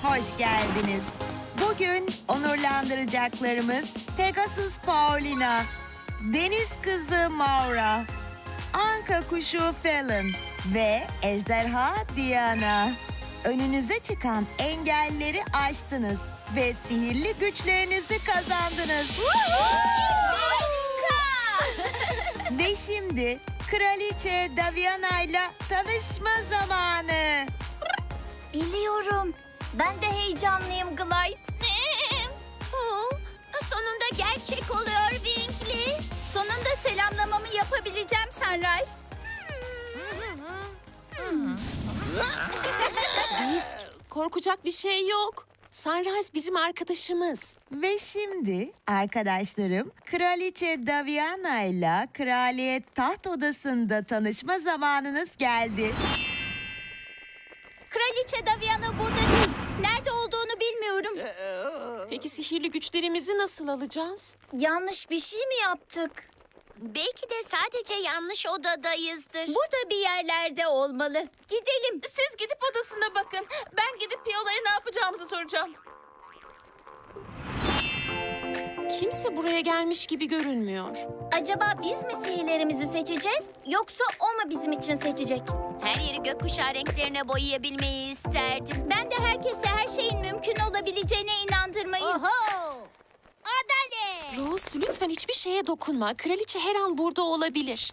hoş geldiniz. Bugün onurlandıracaklarımız Pegasus Paulina, Deniz Kızı Maura, Anka Kuşu Fallon ve Ejderha Diana. Önünüze çıkan engelleri aştınız ve sihirli güçlerinizi kazandınız. Ve şimdi Kraliçe Daviana ile tanışma zamanı. Biliyorum. Ben de heyecanlıyım Glide. Sonunda gerçek oluyor Winkley. Sonunda selamlamamı yapabileceğim Sunrise. Risk, korkacak bir şey yok. Sunrise bizim arkadaşımız. Ve şimdi arkadaşlarım Kraliçe Daviana ile Kraliyet Taht Odası'nda tanışma zamanınız geldi. Kraliçe Daviana burada değil. Nerede olduğunu bilmiyorum. Peki sihirli güçlerimizi nasıl alacağız? Yanlış bir şey mi yaptık? Belki de sadece yanlış odadayızdır. Burada bir yerlerde olmalı. Gidelim. Siz gidip odasına bakın. Ben gidip Piola'ya ne yapacağımızı soracağım. Kimse buraya gelmiş gibi görünmüyor. Acaba biz mi sihirlerimizi seçeceğiz? Yoksa o mu bizim için seçecek? Her yeri gökkuşağı renklerine boyayabilmeyi isterdim. Ben de herkese her şeyin mümkün olabileceğine inandırmayı... Rose, lütfen hiçbir şeye dokunma. Kraliçe her an burada olabilir.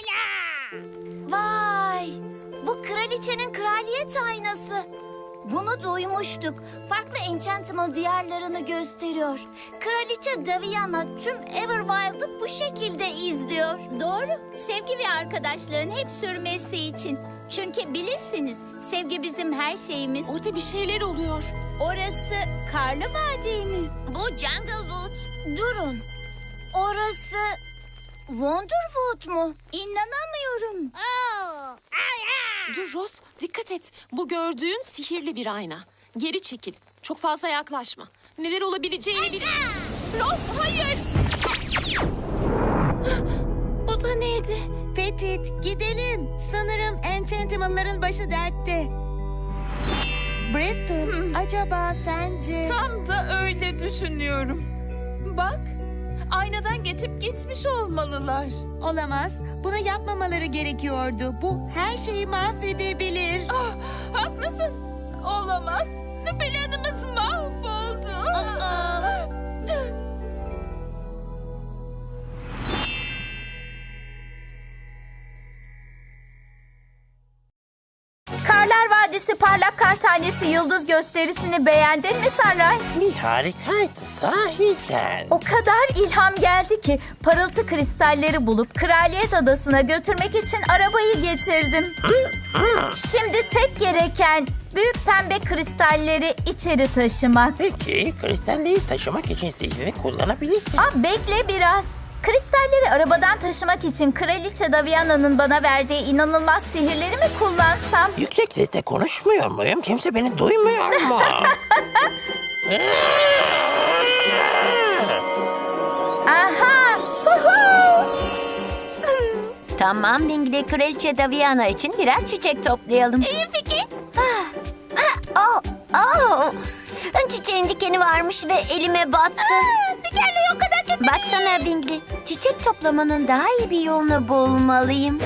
Vay! Bu kraliçenin kraliyet aynası. Bunu duymuştuk. Farklı Enchantimal diyarlarını gösteriyor. Kraliçe Daviana tüm Everwild'ı bu şekilde izliyor. Doğru. Sevgi ve arkadaşlığın hep sürmesi için. Çünkü bilirsiniz, sevgi bizim her şeyimiz. Orada bir şeyler oluyor. Orası Karlı Vadi mi? Bu Junglewood. Durun. Orası Wonderwood mu? İnanamıyorum. Dur Rose, dikkat et. Bu gördüğün sihirli bir ayna. Geri çekil. Çok fazla yaklaşma. Neler olabileceğini bil... Rose, hayır! Bu da neydi? Petit, gidelim. Sanırım Enchantimal'ların başı dertte. Bristol, acaba sence... Tam da öyle düşünüyorum. Bak, aynadan geçip gitmiş olmalılar. Olamaz. Bunu yapmamaları gerekiyordu. Bu her şeyi mahvedebilir. Ah, haklısın. Olamaz. Planımız mahvoldu. Karlar Vadisi Parlak Kar Tanesi Yıldız gösterisini beğendin mi Sunrise? Bir harikaydı sahiden. O kadar ilham geldi ki parıltı kristalleri bulup Kraliyet Adası'na götürmek için arabayı getirdim. Şimdi tek gereken büyük pembe kristalleri içeri taşımak. Peki kristalleri taşımak için sihrini kullanabilirsin. Bekle biraz. Kristalleri arabadan taşımak için Kraliçe Daviana'nın bana verdiği inanılmaz sihirleri mi kullansam? Yüksek sesle konuşmuyor muyum? Kimse beni duymuyor mu? Aha! Tamam Winkley, Kraliçe Daviana için biraz çiçek toplayalım. İyi fikir. Çiçeğin dikeni varmış ve elime battı. Dikenli o kadar kötü. Baksana Winkley, çiçek toplamanın daha iyi bir yolunu bulmalıyım.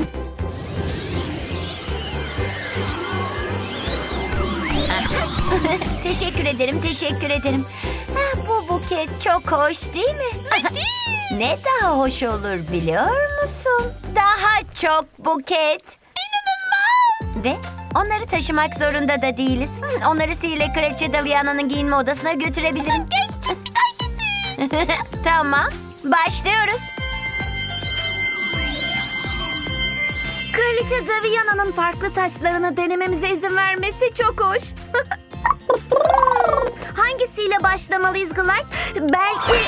Teşekkür ederim, teşekkür ederim. Bu buket çok hoş değil mi? Ne daha hoş olur biliyor musun? Daha çok buket. İnanılmaz. Ve onları taşımak zorunda da değiliz. Onları sihirli Kraliçe Daviana'nın giyinme odasına götürebilirim. Geçtim bir tanesi. Tamam, başlıyoruz. Kraliçe Daviana'nın farklı taçlarını denememize izin vermesi çok hoş. Hangisiyle başlamalıyız Glide? Belki...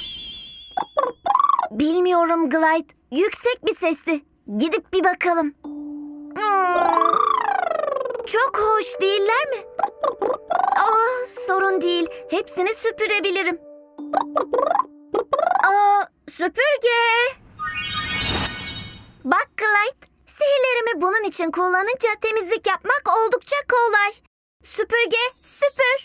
Bilmiyorum Glide. Yüksek bir sesti. Gidip bir bakalım. Çok hoş değiller mi? Sorun değil. Hepsini süpürebilirim. Süpürge. Bak Glide. Sihirlerimi bunun için kullanınca temizlik yapmak oldukça kolay. Süpürge, süpür.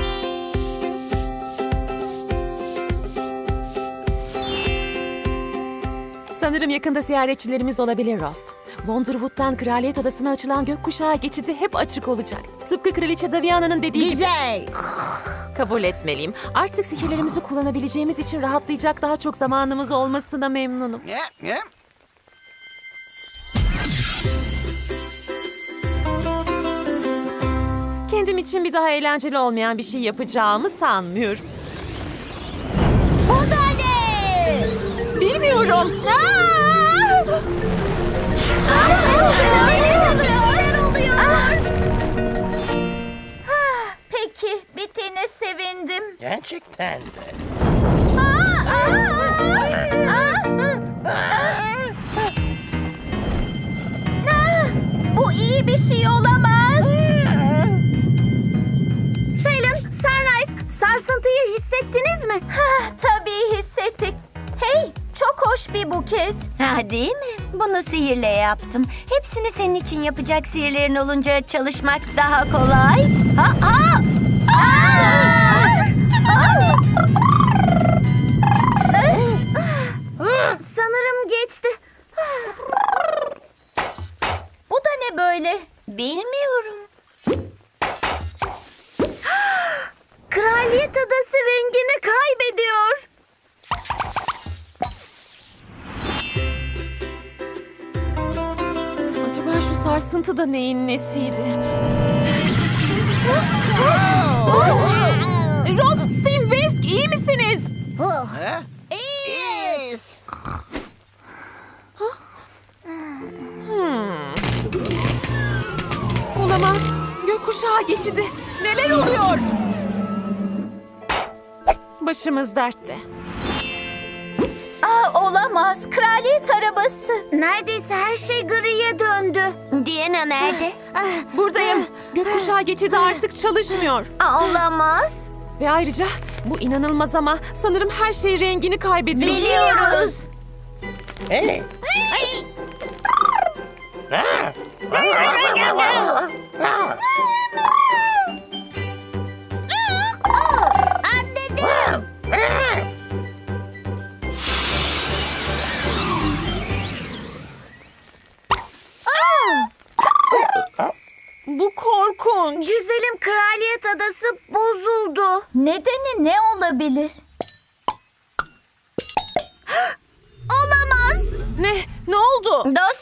Sanırım yakında ziyaretçilerimiz olabilir Rost. Wonderwood'dan Kraliyet Adası'na açılan gökkuşağı geçidi hep açık olacak. Tıpkı Kraliçe Daviana'nın dediği gibi. Güzel. Kabul etmeliyim. Artık sihirlerimizi kullanabileceğimiz için rahatlayacak daha çok zamanımız olmasına memnunum. Kendim için bir daha eğlenceli olmayan bir şey yapacağımı sanmıyorum. Bu da ne? Bilmiyorum. Neler oluyor? Peki, bittiğine sevindim. Gerçekten de. Bu iyi bir şey olamaz. Phelan, Sunrise, sarsıntıyı hissettiniz mi? Tabii hissettik. Hey, çok hoş bir buket. Ha, değil mi? Bunu sihirle yaptım. Hepsini senin için yapacak sihirlerin olunca çalışmak daha kolay. Sanırım geçti. Bu da ne böyle? Bilmiyorum. Kraliyet Adası rengini kaybediyor. Acaba şu sarsıntı da neyin nesiydi? Rost, Steam, Whisk, iyi misiniz? İyiyiz. Olamaz. Gökkuşağı geçidi. Neler oluyor? Başımız dertte. Olamaz. Kraliyet arabası. Neredeyse her şey griye döndü. Diana nerede? Buradayım. Gökkuşağı geçidi artık çalışmıyor. Olamaz. Ve ayrıca bu inanılmaz ama sanırım her şey rengini kaybediyor. Biliyoruz. Hey. Bu korkunç. Güzelim Kraliyet Adası bozuldu. Nedeni ne olabilir? Olamaz. Ne? Ne oldu? Dostum,